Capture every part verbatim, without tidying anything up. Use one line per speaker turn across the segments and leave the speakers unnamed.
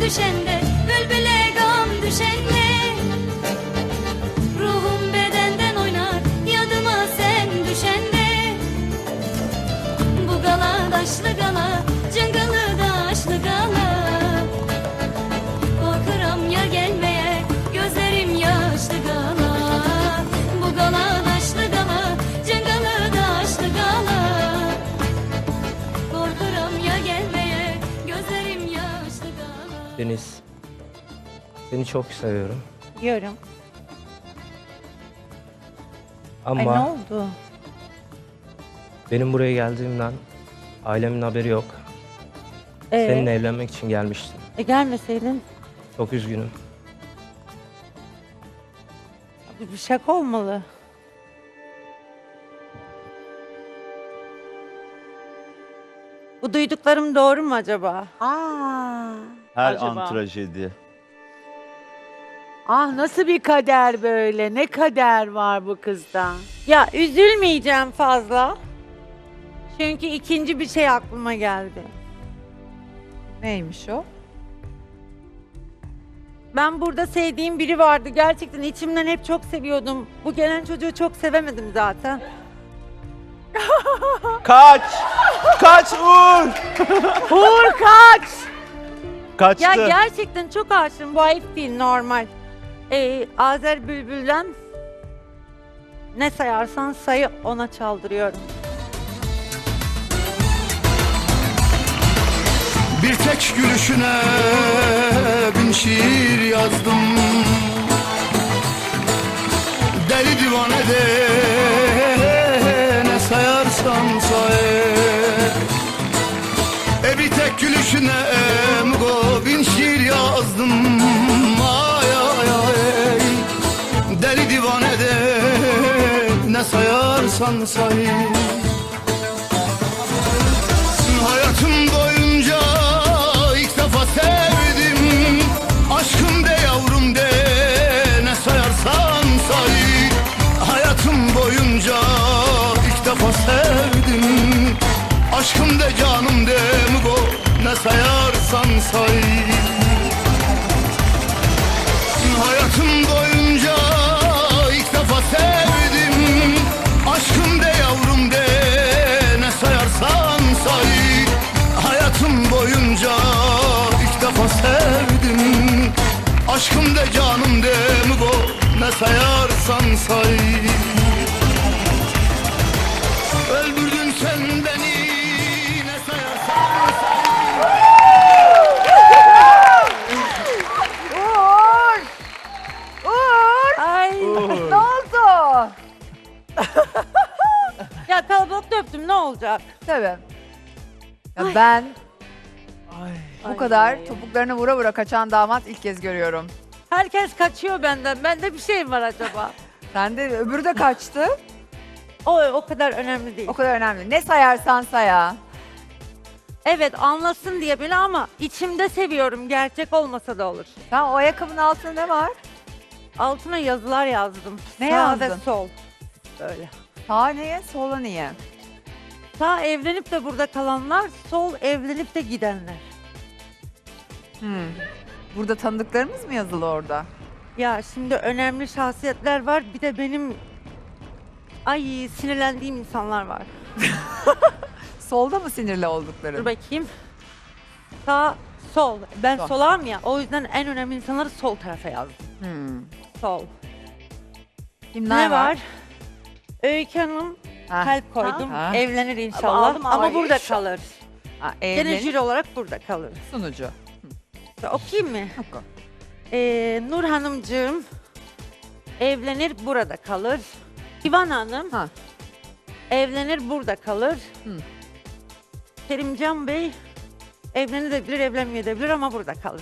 düşende, bülbüle gam düşende. Ruhum bedenden oynar, yadıma sen düşende. Bu gala daşlı gala, cıngılı daşlı gala. Korkuram ya gelmeye, gözlerim yaşlı gala. Bu gala daşlı gala, cıngılı daşlı gala. Korkuram ya gelmeye, gözlerim yaşlı gala.
Deniz, seni çok seviyorum
Diyorum.
ama
Ay ne oldu?
benim buraya geldiğimden ailemin haberi yok.
Ee,
Seninle evlenmek için gelmiştim.
e, gelmeseydin
Çok üzgünüm.
bu bir şaka olmalı. Bu duyduklarım doğru mu acaba?
Aa,
Her
Acaba?
an trajedi.
ah nasıl bir kader böyle? Ne kader var bu kızda?
Ya üzülmeyeceğim fazla. Çünkü ikinci bir şey aklıma geldi.
Neymiş o?
Ben burada sevdiğim biri vardı. Gerçekten içimden hep çok seviyordum. Bu gelen çocuğu çok sevemedim zaten.
Kaç! Kaç Uğur!
Uğur kaç!
Kaçtı.
Ya gerçekten çok aşığım. Bu ayıp değil, normal. Ee, Azer Bülbül'den ne sayarsan sayı ona çaldırıyorum.
Bir tek gülüşüne bin şiir yazdım. Deli divane de ne sayarsan say. E bir tek gülüşüne emgo bin şiir yazdım. Ay ay ay. Deli divane de ne sayarsan say. Hayatım boyunca ilk defa sevdim. Aşkım de yavrum de ne sayarsan say. Hayatım boyunca ilk defa sevdim. Aşkım de canım de mugo ne sayarsan say. Hayatım boyunca ilk defa sevdim. Aşkım de yavrum de ne sayarsan say. Hayatım boyunca ilk defa sevdim. Aşkım de canım de mugo ne sayarsan say. Öldürdün sen beni ne sayarsan say.
Uğur! Uğur!
Ay
Ne oldu?
ya kalabalıkta öptüm, ne olacak?
Tabii. Ya ben bu
Ay.
kadar topuklarına vura vura kaçan damat ilk kez görüyorum.
Herkes kaçıyor benden. Bende bir şey mi var acaba?
Sen de öbürü de kaçtı.
O o kadar önemli değil.
O kadar önemli. Ne sayarsan saya.
Evet, anlasın diye bile ama içimde seviyorum. Gerçek olmasa da olur.
Sen o ayakkabının altında ne var?
Altına yazılar yazdım.
Ne
Sağ ve
yazdın?
sol. Böyle.
Sağ niye, sola niye?
Sağ evlenip de burada kalanlar, sol evlenip de gidenler.
Hmm. Burada tanıdıklarımız mı yazılı orada?
Ya şimdi önemli şahsiyetler var. Bir de benim ay sinirlendiğim insanlar var.
Solda mı sinirli oldukları?
Dur bakayım. Sağ, sol. Ben
Sol.
solağım ya. O yüzden en önemli insanları sol tarafa yazdım.
Hmm.
Sol.
Kimler
Ne var? Öykü Hanım
Ha.
kalp koydum.
Ha.
Evlenir inşallah.
aldım,
Ama
ay.
burada kalır.
Ha,
Gene
evlenip
jüri olarak burada kalır.
sunucu.
Ya, okuyayım mı?
Oku.
Ee, Nur Hanımcığım evlenir burada kalır. İvan Hanım
Ha.
evlenir burada kalır.
Hı.
Kerimcan Bey evlenebilir, evlenmeyebilir ama burada kalır.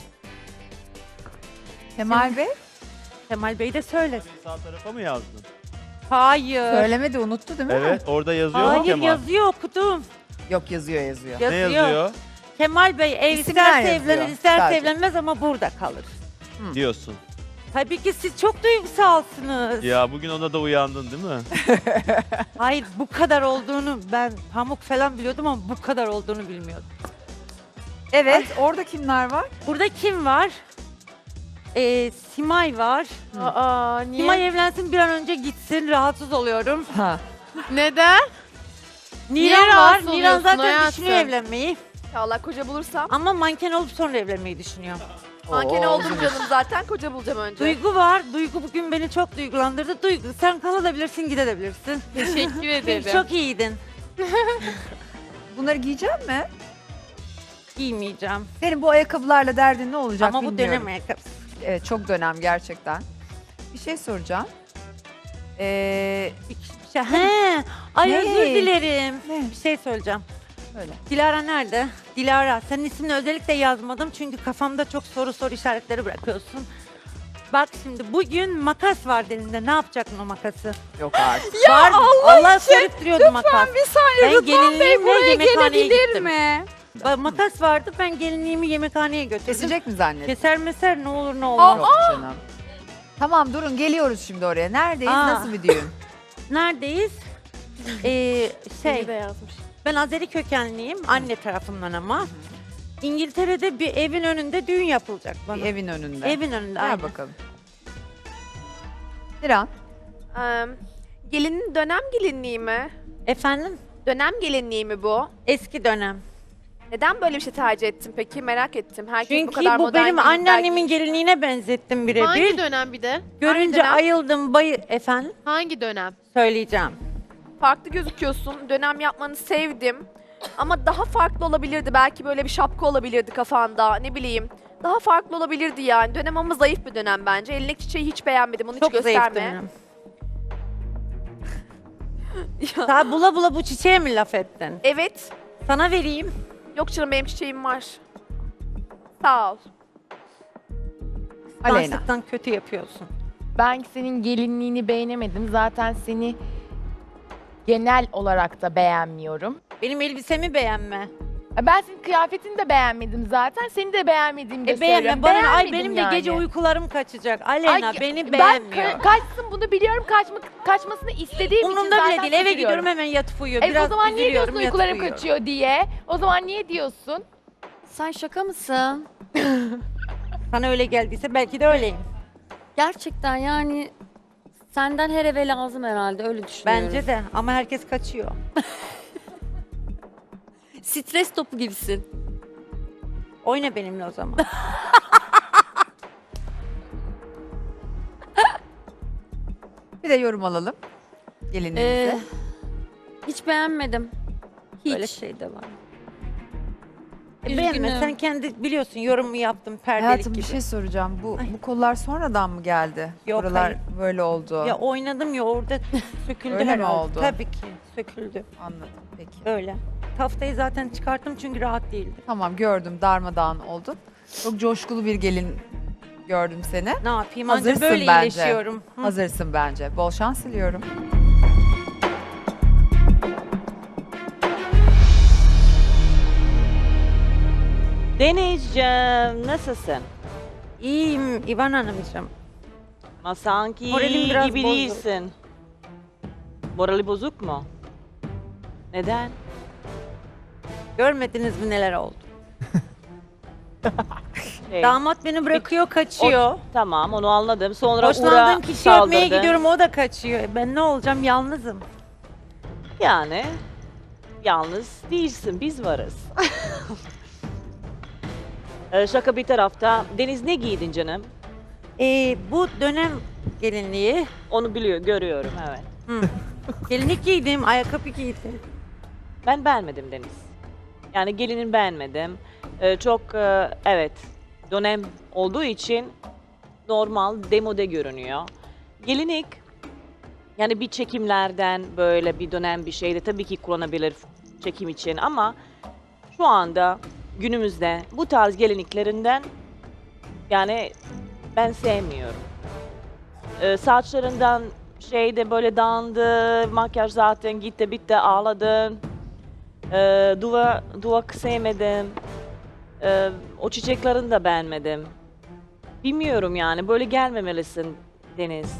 Kemal Bey
Kemal Bey de söyler.
Sağ tarafa mı yazdın?
Hayır.
söylemedi, unuttu değil mi?
Evet, orada yazıyor mu
Hayır,
Kemal?
yazıyor, okudum.
Yok, yazıyor yazıyor.
Yazıyor.
Ne yazıyor?
Kemal Bey ev
İsimler
isterse
yazıyor
evlenir, isterse
sadece.
evlenmez ama burada kalır.
Diyorsun.
Tabii ki siz çok duygusalsınız.
Ya bugün ona da uyandın değil mi?
Hayır, bu kadar olduğunu ben pamuk falan biliyordum ama bu kadar olduğunu bilmiyordum.
Evet, orada kimler var?
Burada kim var? Ee, Simay var.
Aa, niye?
Simay evlensin bir an önce gitsin. Rahatsız oluyorum.
Ha.
Neden?
Niran var.
rahatsız
Niran
oluyorsun
zaten
hayatım?
düşünüyor evlenmeyi.
İnşallah koca bulursam.
Ama manken olup sonra evlenmeyi düşünüyor.
Manken
Oo.
oldum canım zaten. Koca bulacağım önce.
Duygu var. Duygu bugün beni çok duygulandırdı. Duygu sen kalabilirsin, gidebilirsin.
Teşekkür
Çünkü
ederim.
çok iyiydin.
Bunları giyecek mi?
Giymeyeceğim.
Senin bu ayakkabılarla derdin ne olacak
Ama bu
bilmiyorum.
dönem ayakkabısı.
Evet, çok dönem gerçekten. Bir şey soracağım. Ee,
Bir şey- He, ay
Ne?
özür dilerim.
Ne?
Bir şey söyleyeceğim.
Öyle.
Dilara nerede? Dilara, senin ismini özellikle yazmadım çünkü kafamda çok soru soru işaretleri bırakıyorsun. Bak şimdi bugün makas var elinde. Ne yapacaksın o makası?
Yok artık.
Var, Allah sorup duruyordu makas.
Bir saniye
Ben gelinliğimle yemekhaneye gittim.
mi?
Ba- Makas vardı, ben gelinliğimi yemekhaneye götürdüm.
Kesecek mi zannettin?
Keser meser ne olur ne olmaz.
Yok canım. Tamam durun geliyoruz şimdi oraya. Neredeyiz?
Aa.
Nasıl bir düğün?
Neredeyiz? ee,
Şey.
şey,
de yazmış.
ben Azeri kökenliyim, anne tarafımdan ama. İngiltere'de bir evin önünde düğün yapılacak bana.
Bir evin önünde.
Evin önünde,
Ver
aynen.
bakalım. Diran.
Ee, gelinin dönem gelinliği mi?
Efendim?
Dönem gelinliği mi bu?
Eski dönem.
Neden böyle bir şey tercih ettin peki? Merak ettim. Herkes bu
Çünkü
kadar
bu,
modern
benim
gelinler
anneannemin
giymiş.
gelinliğine benzettim
Hangi
birebir.
dönem bir de?
Görünce
dönem?
ayıldım, bayı... Efendim?
Hangi dönem?
Söyleyeceğim.
Farklı gözüküyorsun. Dönem yapmanı sevdim. Ama daha farklı olabilirdi. Belki böyle bir şapka olabilirdi kafanda. Ne bileyim. Daha farklı olabilirdi yani. Dönem ama zayıf bir dönem bence. Elindeki çiçeği hiç beğenmedim. Onu
Çok
hiç
zayıf
gösterme.
dönem.
Ya,
Daha bula bula bu çiçeğe mi laf ettin?
evet.
Sana vereyim.
Yok canım benim çiçeğim var. Sağ ol.
Aleyna.
Danslıktan kötü yapıyorsun.
Ben senin gelinliğini beğenemedim. Zaten seni genel olarak da beğenmiyorum.
Benim elbisemi beğenme.
Ben senin kıyafetini de beğenmedim zaten. Seni de beğenmediğimi de
E beğenme.
söylüyorum.
Bana ne? Ay
Beğenmedim
benim de
yani.
gece uykularım kaçacak. Aleyna
Ay,
beni
ben
beğenmiyor.
ka- kaçsın bunu biliyorum. Kaçmak, kaçmasını istediğim için
Umurumda
zaten
bile değil. Eve
kaçırıyorum.
gidiyorum hemen yatıp uyuyor.
E,
Biraz
o zaman niye
üzülüyorum,
diyorsun
yatıp
uykularım
uyuyorum.
kaçıyor diye? O zaman niye diyorsun?
Sen şaka mısın?
Sana öyle geldiyse belki de öyleyim.
Gerçekten yani senden her eve lazım herhalde öyle düşünüyorum.
Bence de ama herkes kaçıyor.
Stres topu gibisin.
Oyna benimle o zaman.
Bir de yorum alalım. Gelinliğimize.
Ee, hiç beğenmedim. Hiç.
Öyle şey de var. E,
Üzgünüm.
beğenme. Sen kendi biliyorsun yorumu yaptım perdelik
Hayatım
gibi.
bir şey soracağım. Bu
Ay.
bu kollar sonradan mı geldi?
Yok,
Buralar
hayır.
böyle oldu.
Ya oynadım ya orada söküldü
Öyle mi
herhalde.
oldu?
Tabii ki söküldü.
Anladım peki.
Öyle. Taftayı zaten çıkarttım çünkü rahat değildi.
Tamam gördüm darmadağın oldun. Çok coşkulu bir gelin gördüm seni.
Ne yapayım?
Hazırsın
Anca böyle
bence.
iyileşiyorum. Hı.
Hazırsın bence. Bol şans diliyorum.
Denizciğim, nasılsın?
İyiyim İvan Hanımcığım.
Ama sanki
Moralim biraz
gibi
bozuk.
değilsin. Morali bozuk mu? Neden?
Görmediniz mi neler oldu?
Şey,
Damat beni bırakıyor, kaçıyor.
tamam, onu anladım. Sonra Uğur'a
Hoşlandığım kişi öpmeye
saldırdın.
gidiyorum, o da kaçıyor. E Ben ne olacağım? Yalnızım.
Yani, yalnız değilsin, biz varız. Ee, şaka bir tarafta. Deniz ne giydin canım?
Ee, bu dönem gelinliği.
Onu biliyor, görüyorum, evet.
Hı. Gelinlik giydim, ayakkabı giydim.
Ben beğenmedim Deniz. Yani gelinin beğenmedim. Ee, çok e, evet dönem olduğu için normal demode görünüyor. Gelinlik yani bir çekimlerden böyle bir dönem bir şeyde tabii ki kullanabilir çekim için ama şu anda günümüzde bu tarz gelinliklerinden yani ben sevmiyorum. Ee, saçlarından şeyde böyle dağındı, makyaj zaten gitti bitti ağladın. Ee, duva, duvak sevmedim. Ee, o çiçeklerini de beğenmedim. Bilmiyorum yani böyle gelmemelisin Deniz.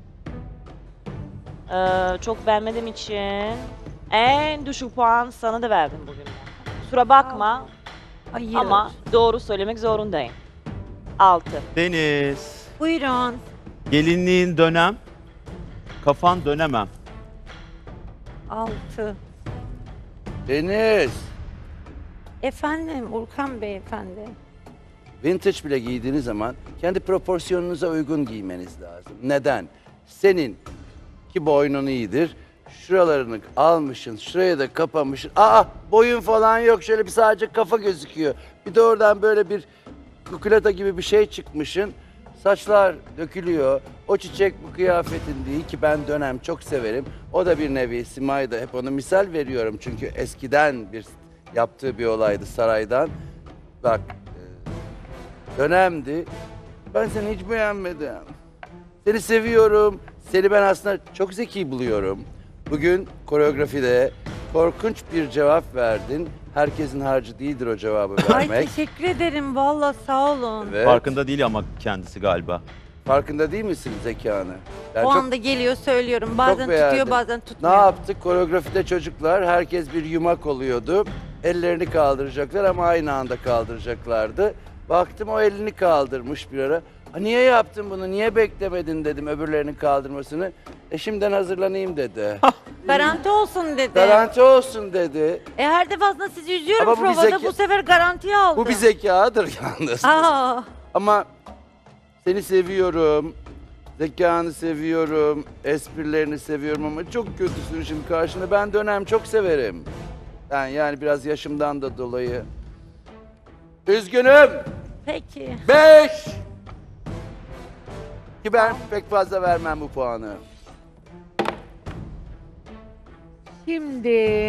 Ee, çok beğenmediğim için en düşük puan sana da verdim bugün. Kusura bakma.
Hayır.
Ama doğru söylemek zorundayım. Altı.
Deniz.
Buyurun.
Gelinliğin dönem. Kafan dönemem.
Altı.
Deniz,
Efendim Urkan Bey efendi.
vintage bile giydiğiniz zaman kendi proporsiyonunuza uygun giymeniz lazım. Neden? Senin ki boynun iyidir. Şuralarını almışsın, şuraya da kapamışsın. Aa, boyun falan yok. Şöyle bir sadece kafa gözüküyor. Bir de oradan böyle bir kukulata gibi bir şey çıkmışsın. Saçlar dökülüyor. O çiçek bu kıyafetin değil ki ben dönem çok severim. O da bir nevi Simay'da hep onu misal veriyorum. Çünkü eskiden bir yaptığı bir olaydı saraydan. Bak e, dönemdi. Ben seni hiç beğenmedim. Seni seviyorum. Seni ben aslında çok zeki buluyorum. Bugün koreografide korkunç bir cevap verdin. Herkesin harcı değildir o cevabı
Ay
vermek.
teşekkür ederim valla sağ olun.
Evet.
Farkında değil ama kendisi galiba.
Farkında değil misin zekanı? Ben
o
çok,
anda geliyor söylüyorum. Bazen
beğendim.
tutuyor bazen
ne
tutmuyor.
yaptık? Koreografide çocuklar herkes bir yumak oluyordu. Ellerini kaldıracaklar ama aynı anda kaldıracaklardı. Baktım o elini kaldırmış bir ara. Ha, niye yaptın bunu? Niye beklemedin dedim öbürlerinin kaldırmasını. E şimdiden hazırlanayım dedi.
Garanti olsun dedi.
Garanti olsun dedi.
E her defasında sizi üzüyorum
Ama bu bir
provada
zeka-
bu sefer garantiye aldım.
Bu bir zekadır yalnız.
Aa,
Ama seni seviyorum. Zekanı seviyorum. Esprilerini seviyorum ama çok kötüsün şimdi karşında. Ben dönem çok severim. Ben yani biraz yaşımdan da dolayı. Üzgünüm.
peki.
Beş. Ki ben pek fazla vermem bu puanı.
Şimdi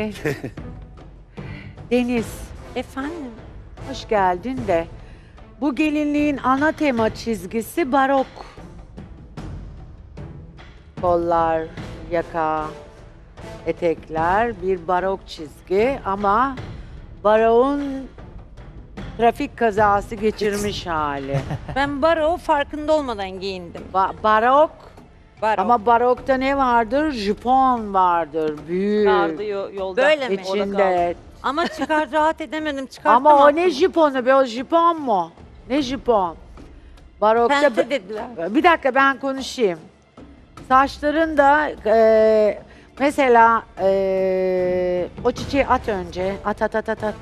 Deniz,
Efendim?
hoş geldin de bu gelinliğin ana tema çizgisi barok. Kollar, yaka, etekler bir barok çizgi ama barokun trafik kazası geçirmiş hali.
Ben baro farkında olmadan giyindim.
Ba- barok
Baro.
ama barokta ne vardır? Jupon vardır, büyük.
Vardı yo- yolda.
Böyle mi?
İçinde.
Ama çıkar rahat edemedim çıkarttım.
Ama o
attım.
ne jiponu be? O jipon mu? Ne jipon? Barokta...
Pente dediler.
Bir dakika ben konuşayım. Saçların da e, mesela e, o çiçeği at önce. At at at at at.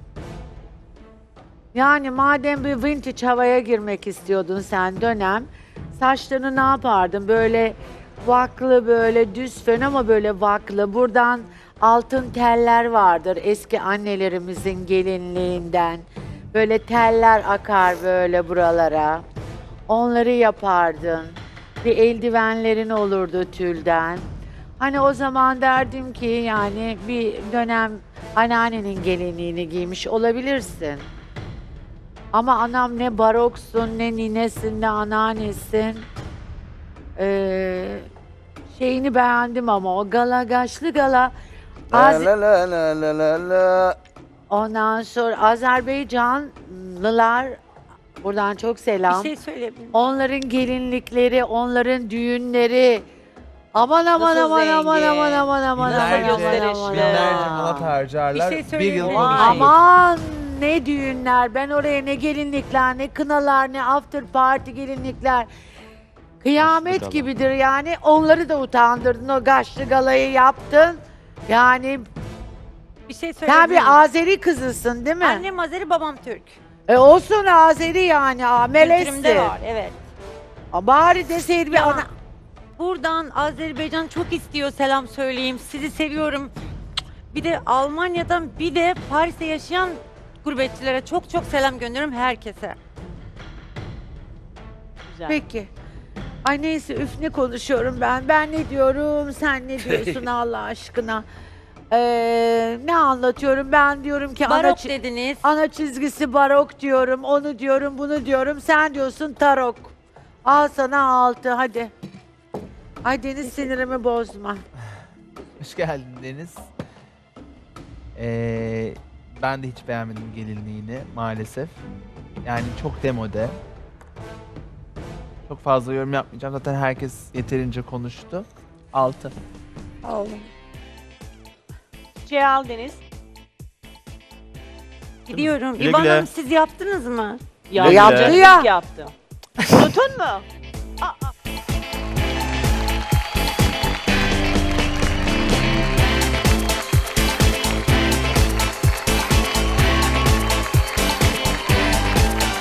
Yani madem bir vintage havaya girmek istiyordun sen dönem, saçlarını ne yapardın? Böyle vaklı böyle düz fön ama böyle vaklı. Buradan altın teller vardır eski annelerimizin gelinliğinden. Böyle teller akar böyle buralara. Onları yapardın. Bir eldivenlerin olurdu tülden. Hani o zaman derdim ki yani bir dönem anneannenin gelinliğini giymiş olabilirsin. Ama anam ne baroksun, ne ninesin, ne anneannesin. Ee, şeyini beğendim ama o galagaşlı gala. Az-
La la la la la la.
Ondan sonra Azerbaycanlılar, buradan çok selam.
Bir şey söyleyebilir miyim?
Onların gelinlikleri, onların düğünleri. Aman aman
Nasıl
aman aman
zengin?
aman aman aman aman
Binlerce
aman
gösterişli.
aman
Binlerce
aman.
manat harcarlar.
Bir şey
bir
söyleyeyim
yıl
mi?
konuşulur.
Aman ne düğünler. Ben oraya ne gelinlikler, ne kınalar, ne after party gelinlikler. Kıyamet
gala.
gibidir yani. Onları da utandırdın. O gaşlı galayı yaptın. Yani
Bir şey
sen
söyleyebilir miyim?
bir Azeri kızısın değil mi?
Annem Azeri babam Türk.
E olsun Azeri yani. Aa,
Kültürümde
melezsin.
var evet.
Aa, bari deseydi bir
Ya,
ana...
buradan Azerbaycan çok istiyor selam söyleyeyim. Sizi seviyorum. Bir de Almanya'dan bir de Paris'te yaşayan gurbetçilere çok çok selam gönderiyorum herkese.
Güzel.
Peki. Ay neyse üf ne konuşuyorum ben. Ben ne diyorum, sen ne diyorsun Allah aşkına. Ee, ne anlatıyorum? Ben diyorum ki ana,
Barok
çi-
dediniz.
ana çizgisi barok diyorum, onu diyorum, bunu diyorum. Sen diyorsun tarok. Al sana altı hadi. Ay Deniz sinirimi bozma.
Hoş geldin Deniz. Ee, ben de hiç beğenmedim gelinliğini maalesef. Yani çok demode. Çok fazla yorum yapmayacağım. Zaten herkes yeterince konuştu. Altı.
Al.
Çiçeği al Deniz.
Gidiyorum.
Güle
İvan
güle.
Hanım siz yaptınız mı?
Yaptım.
Yaptı
canım,
ya.
Yaptım. Unuttun mu?